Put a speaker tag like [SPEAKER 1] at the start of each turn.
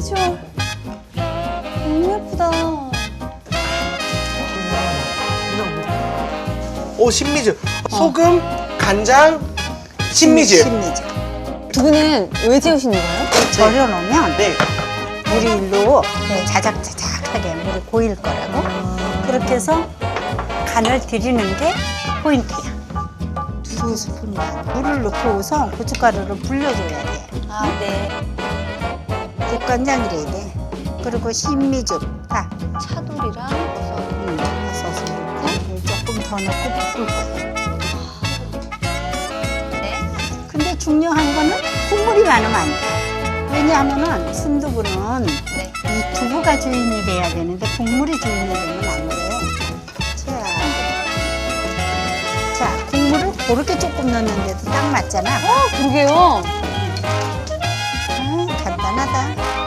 [SPEAKER 1] 비주얼. 너무 예쁘다.
[SPEAKER 2] 오, 신미즈. 소금, 간장, 신미즈.
[SPEAKER 3] 신미즈.
[SPEAKER 1] 두부는 왜 재우시는 거예요?
[SPEAKER 3] 절여놓으면
[SPEAKER 2] 네.
[SPEAKER 3] 물이 일로 자작자작하게 물이 고일 거라고. 그렇게 해서 간을 들이는 게 포인트야. 2스푼만 물을 넣고 우선 고춧가루를 불려줘야 돼.
[SPEAKER 1] 아, 네.
[SPEAKER 3] 국간장이래야 돼. 그리고 신미즙 다
[SPEAKER 1] 차돌이랑 버섯.
[SPEAKER 3] 버섯을 넣고 조금 더 넣고 볶을 거야.
[SPEAKER 1] 네.
[SPEAKER 3] 근데 중요한 거는 국물이 많으면 안 돼. 왜냐하면은 순두부는
[SPEAKER 1] 네.
[SPEAKER 3] 이 두부가 주인이 돼야 되는데 국물이 주인이 되면 안 돼요. 자, 국물을 그렇게 조금 넣는데도 딱 맞잖아.
[SPEAKER 1] 그러게요.
[SPEAKER 3] 간단하다.